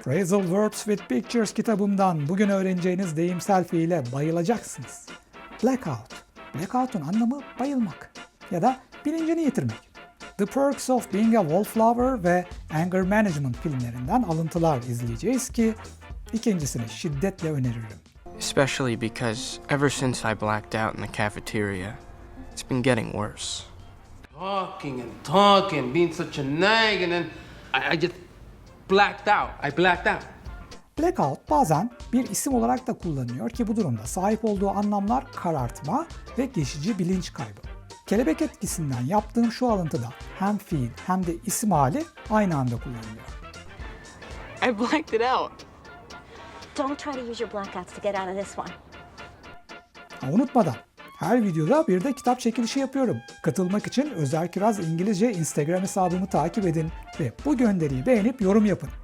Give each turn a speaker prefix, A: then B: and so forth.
A: Phrasal Words with Pictures kitabımdan bugün öğreneceğiniz deyimsel fiile bayılacaksınız. Blackout. Blackout'un anlamı bayılmak ya da bilincini yitirmek. The Perks of Being a Wallflower ve Anger Management filmlerinden alıntılar izleyeceğiz ki ikincisini şiddetle öneririm.
B: Especially because ever since I blacked out in the cafeteria, it's been getting worse.
C: Talking and talking, being such a nag, and then I just blacked out. I blacked out.
A: Blackout bazen bir isim olarak da kullanılıyor ki bu durumda sahip olduğu anlamlar karartma ve geçici bilinç kaybı. Kelebek etkisinden yaptığım şu alıntıda hem fiil hem de isim hali aynı anda kullanılıyor.
B: I blacked it out.
D: Don't try to use your blackouts to get out of this one.
A: Unutmadan her videoda bir de kitap çekilişi yapıyorum. Katılmak için Özer Kiraz İngilizce Instagram hesabımı takip edin ve bu gönderiyi beğenip yorum yapın.